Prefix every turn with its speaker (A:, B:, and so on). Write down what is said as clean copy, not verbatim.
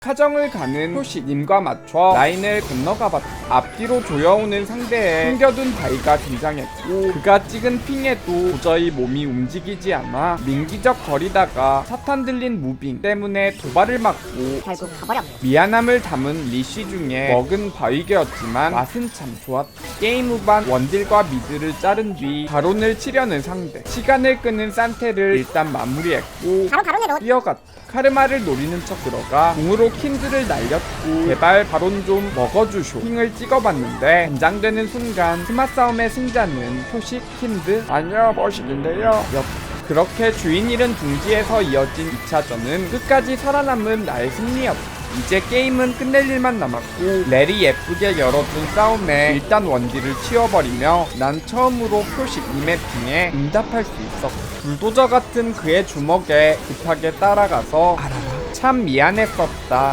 A: 카정을 가는 효시님과 맞춰 라인을 건너가봤다. 앞뒤로 조여오는 상대에 숨겨둔 바이가 등장했고 그가 찍은 핑에도 도저히 몸이 움직이지 않아 민기적 거리다가 사탄 들린 무빙 때문에 도발을 맞고
B: 결국 가버렸네.
A: 미안함을 담은 리쉬 중에 먹은 바위개였지만 맛은 참 좋았다. 게임 후반 원딜과 미드를 자른 뒤 바론을 치려는 상대, 시간을 끄는 산테를 일단 마무리했고
B: 바로 바론으로
A: 뛰어갔다. 카르마를 노리는 척 들어가 궁으로 킨드를 날렸고 제발 바론 좀 먹어주쇼 킹을 찍어봤는데 긴장되는 순간 스마 싸움의 승자는 표식 킨드 아니요 버식인데요 그렇게 주인 잃은 둥지에서 이어진 2차전은 끝까지 살아남은 나의 승리였다. 이제 게임은 끝낼 일만 남았고 렐이 예쁘게 열어준 싸움에 일단 원딜을 치워버리며 난 처음으로 표식 이맵핑에 응답할 수 있었고 불도저 같은 그의 주먹에 급하게 따라가서 참 미안했었다.